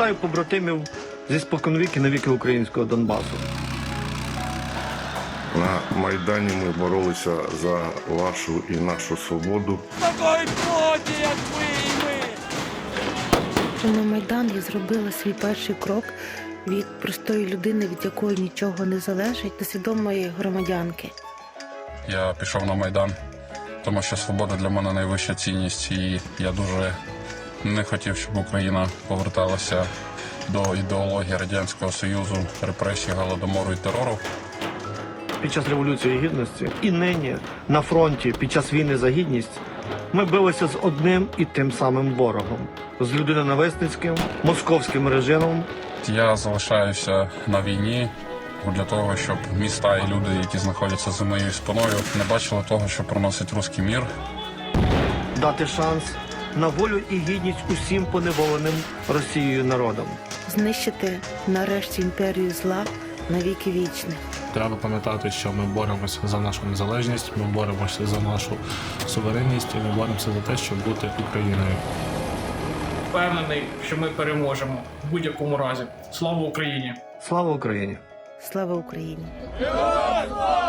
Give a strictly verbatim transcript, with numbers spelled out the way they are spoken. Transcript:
Вітаю побратимів зі споконвіки навіки українського Донбасу. На Майдані ми боролися за вашу і нашу свободу. Такої плоті, як ви і ми! На Майдан я зробила свій перший крок від простої людини, від якої нічого не залежить, до свідомої громадянки. Я пішов на Майдан, тому що свобода для мене найвища цінність, і я дуже не хотів, щоб Україна поверталася до ідеології Радянського Союзу, репресій, голодомору і терору. Під час Революції Гідності і нині на фронті під час війни за гідність ми билися з одним і тим самим ворогом – з людиноненависницьким, московським режимом. Я залишаюся на війні для того, щоб міста і люди, які знаходяться за моєю спиною, не бачили того, що приносить руський мір. Дати шанс на волю і гідність усім поневоленим Росією народам. Знищити нарешті імперію зла на віки вічних. Треба пам'ятати, що ми боремося за нашу незалежність, ми боремося за нашу суверенність і ми боремося за те, щоб бути Україною. Впевнений, що ми переможемо в будь-якому разі. Слава Україні! Слава Україні! Слава Україні! Героям слава!